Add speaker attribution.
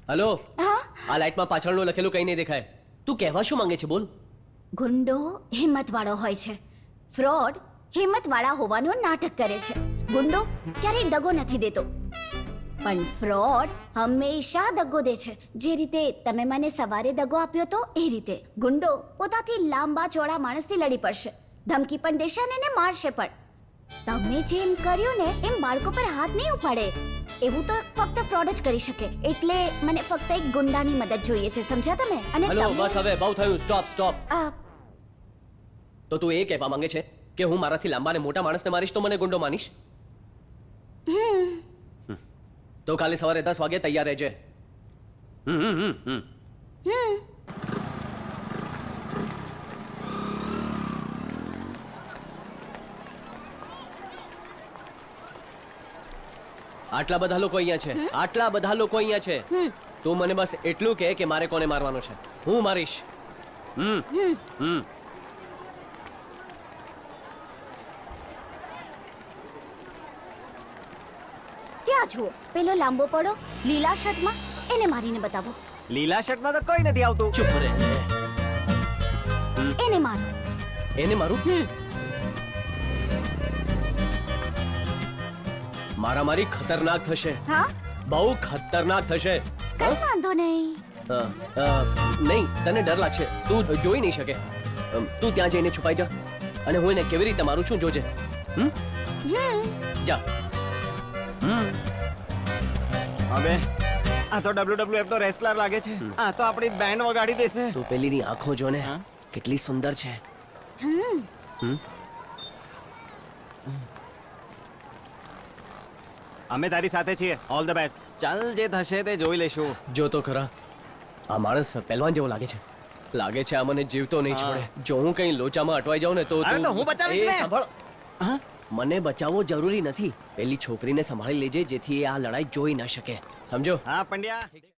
Speaker 1: Hello,
Speaker 2: હા
Speaker 1: આ લાઈટમાં પાછળનું લખેલું કંઈ નહીં દેખાય. તું કહેવા શું માંગે છે? બોલ.
Speaker 2: ગુંડો હિંમતવાળો હોય છે, ફ્રોડ હિંમતવાળા હોવાનું નાટક કરે છે. ગુંડો ક્યારેય દગો નથી દેતો, પણ ફ્રોડ હંમેશા દગો દે છે. જે રીતે તમે મને સવારે દગો આપ્યો તો એ રીતે ગુંડો પોતાથી લાંબા ચોળા માણસથી લડી પડશે, ધમકી પણ દેશે અને એને મારશે પણ. તમે જેમ કર્યું ને એમ બાળકો પર હાથ નહીં ઉપાડે. એવું તો ફક્ત ફ્રોડ જ કરી શકે. એટલે મને ફક્ત એક ગુંડાની મદદ જોઈએ છે, સમજ્યા તમે? અને
Speaker 1: હલો,
Speaker 2: તમે-
Speaker 1: બસ હવે બહુ થયું. Stop stop.
Speaker 2: આ,
Speaker 1: તો તું એ કહેવા માંગે છે કે હું મારાથી લાંબા અને મોટા માણસને મારીશ તો મને ગુંડો માનીશ? તો કાલે સવારે 10 વાગે તૈયાર રહેજે. આટલા બધા લોકો અહીંયા છે, આટલા બધા લોકો અહીંયા છે. તું મને બસ એટલું કહે કે મારે કોને મારવાનો છે, હું મારીશ.
Speaker 2: ત્યાં જુઓ, પેલો લાંબો પડો લીલા શર્ટમાં, એને મારીને બતાવો.
Speaker 3: લીલા શર્ટમાં તો કોઈ નથી આવતું.
Speaker 1: ચૂપ રહે.
Speaker 2: એને મારો.
Speaker 1: એને મારું? મારામારી ખતરનાક થશે,
Speaker 2: હા,
Speaker 1: બહુ ખતરનાક થશે.
Speaker 2: કઈ વાંધો નહીં.
Speaker 1: નહીં, તને ડર લાગશે, તું જોઈ નહીં શકે. તું ત્યાં જઈને છુપાઈ જા અને હું એને કેવી રીતે મારું છું જોજે. જા.
Speaker 3: હવે આ તો WWF નો રેસલર લાગે છે. આ તો આપણી બેન્ડ વગાડી દેશે.
Speaker 1: તું પેલીની આંખો જોને, કેટલી સુંદર છે.
Speaker 3: અમે તારી સાથે છીએ. All the best. ચાલ, જે થશે તે જોઈ લેશું.
Speaker 1: જો તો ખરા, આ માણસ પહેલવાન જેવો લાગે છે. લાગે છે આ મને જીવતો નહીં છોડે. જો હું કઈ લોચામાં અટવાઈ જાઉં ને તો
Speaker 3: અરે તો હું બચાવીશ
Speaker 1: એ
Speaker 3: ને.
Speaker 1: સાંભળ,
Speaker 3: હા?
Speaker 1: મને બચાવવો જરૂરી નથી. પેલી છોકરીને સંભાળી લેજે જેથી એ આ લડાઈ જોઈ ન શકે, સમજો?
Speaker 3: હા પંડ્યા.